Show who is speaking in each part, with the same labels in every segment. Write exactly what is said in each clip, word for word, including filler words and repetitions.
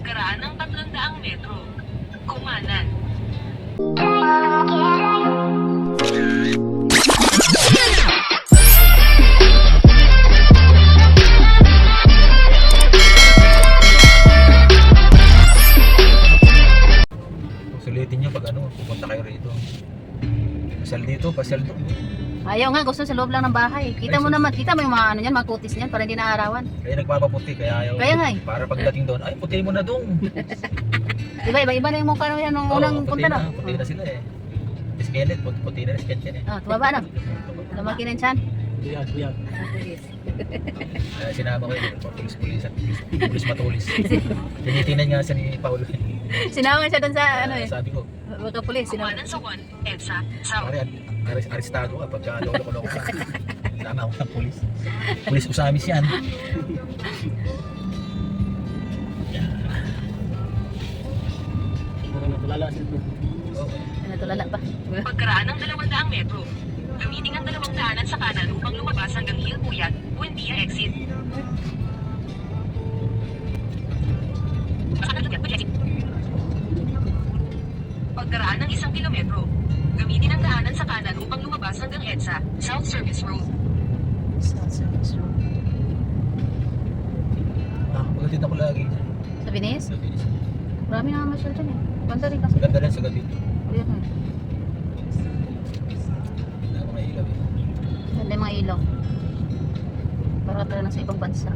Speaker 1: Pagkaraan ng tatlong daang metro. Kumanan.
Speaker 2: Sulitin nyo pag ano, pupunta kayo rito. Pasal dito, pasal doon.
Speaker 3: Ayaw nga, gusto sa loob lang ng bahay. Kita mo naman, kita mo yung mga ano yan, mga kutis niyan para hindi naarawan.
Speaker 2: Kaya nagpapaputi, kaya ayaw.
Speaker 3: Kaya nga eh.
Speaker 2: Para pagdating doon, ay puti mo na doon.
Speaker 3: Diba, iba-iba na yung mukha yan nung
Speaker 2: Oo,
Speaker 3: unang
Speaker 2: puti
Speaker 3: punta
Speaker 2: na,
Speaker 3: na.
Speaker 2: puti na sila eh. Skeleton, puti, puti na skeleton eh.
Speaker 3: Ah, tumaba na. Lumaki na yung tiyan.
Speaker 2: Buyag, buyag. Uh, sinama ko yun, pulis-pulis at pulis matulis. Tinitingnan nga sa ni Paulo.
Speaker 3: Sinama siya doon sa ano
Speaker 2: Uh,
Speaker 3: eh.
Speaker 2: sabi ko,
Speaker 3: Baka pulis, sinama.
Speaker 1: Kumanan sa one. EDSA. South.
Speaker 2: pare, aris arestado ka pagka lolo-lolo ka. Tama ako ng pulis. Pulis usamis yan. Okay.
Speaker 3: Ano tulala pa?
Speaker 1: Pagkaraan ng dalawang daang metro. Gamitin ang dalawang daanan sa kanan upang lumabas hanggang Hill Puyat, Buendia exit. Pagkaraan ng isang kilometro. Gamitin ang daanan sa kanan upang lumabas hanggang EDSA, South Service Road.
Speaker 2: Ah, pagkatid ako lagi.
Speaker 3: Sa Venice?
Speaker 2: Sa Bilis.
Speaker 3: Marami na masyal dyan eh. Ganda rin kasi.
Speaker 2: Ganda rin sa gabi.
Speaker 3: Ayan eh.
Speaker 2: Wala mga ilaw eh.
Speaker 3: Ganda yung mga ilaw. Para tayo na sa ibang bansa.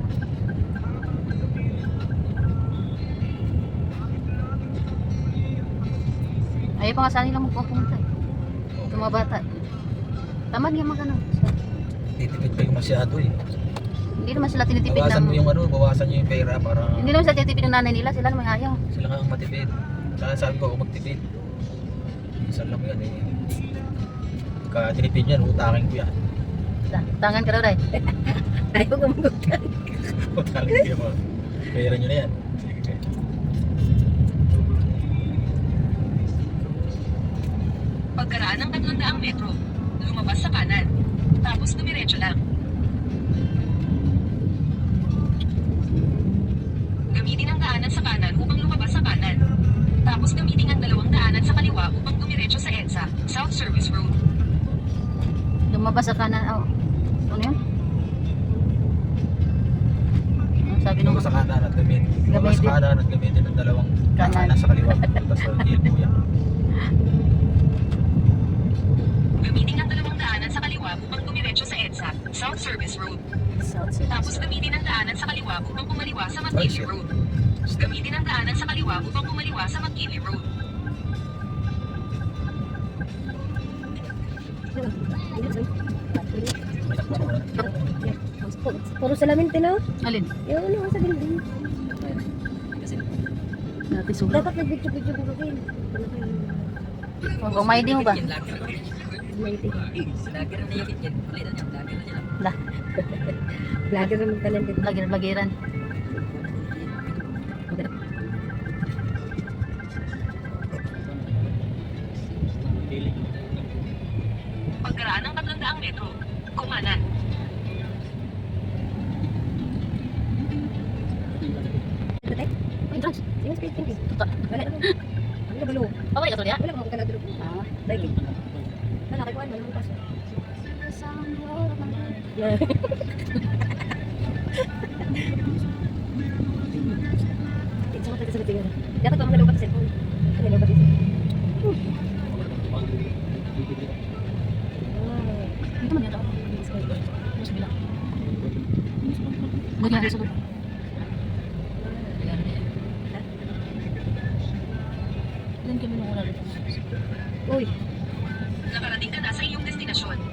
Speaker 3: Ayaw pa nga saan nila magpupunta eh. Yung mga bata. Tamad nga magano.
Speaker 2: Titipid pa yung masyado eh.
Speaker 3: Hindi naman sila tinitipid
Speaker 2: Bawasan
Speaker 3: ng...
Speaker 2: mo yung ano, bawasan nyo yung pera para
Speaker 3: Hindi naman sila tinitipid ng nanay nila. Sila naman ayaw.
Speaker 2: sila nga ang matipid. Kaya sabi ko, kung magtipid. Minsan lang yan eh. Pagka tinipid yan, utakin ko yan.
Speaker 3: Ta- Tangan ka daw, Ray. Ayaw ko magutang.
Speaker 2: Utakin ko yan. Pera nyo na yan. Sige.
Speaker 1: Pagkaraan ng tatlong daang metro. Lumabas sa kanan. Tapos dumiretso lang. Gamitin ang daanan sa kanan upang lumabas sa kanan. Tapos gamitin ang dalawang daanan sa kaliwa upang dumiretso sa EDSA, South Service Road.
Speaker 3: Lumabas sa kanan. Oh. Ano yun? Ano sabi nung...
Speaker 2: Lumabas sa kanan at gamitin. Lumabas sa kanan at gamitin ang dalawang
Speaker 3: Kanan.
Speaker 2: kanan sa kaliwa. Tapos sa ilbo yan.
Speaker 1: Gamitin ang dalawang daanan sa kaliwa upang dumiretso sa EDSA, South Service Road.
Speaker 3: South Service.
Speaker 1: Tapos gamitin ang daanan sa kaliwa upang kumaliwa sa
Speaker 2: Ay,
Speaker 1: McKinley
Speaker 2: shit.
Speaker 1: Road. Gamitin ang daanan sa kaliwa upang kumaliwa sa McKinley Road.
Speaker 4: Puro salamin tino.
Speaker 3: Alin?
Speaker 4: Yung ano sa building.
Speaker 3: Dati sulat.
Speaker 4: Dapat nag-video-video ko kayo.
Speaker 3: Kung may di mo ba? Lah,
Speaker 4: Vlogger naman ka lang dito.
Speaker 3: lagiran-lagiran.
Speaker 1: Pagkaraan ng tatlong daang metro. Kumanan.
Speaker 3: Entrance.
Speaker 4: Yung speed king.
Speaker 3: Tuta.
Speaker 4: Wala naman. Ano ba lo?
Speaker 3: Pabalik ka to niya?
Speaker 4: Wala mo ka nagduro.
Speaker 3: Ah.
Speaker 4: Baik. Wala kay kuan mo pas. It's all sa tingin. Dapat pa mga sa cellphone. Ano ba dito?
Speaker 3: Dito man yata ako. Mas bilang. Buti nga sa loob. Ilan kami nung una dito?
Speaker 4: Uy,
Speaker 1: Nakarating ka na sa iyong destinasyon.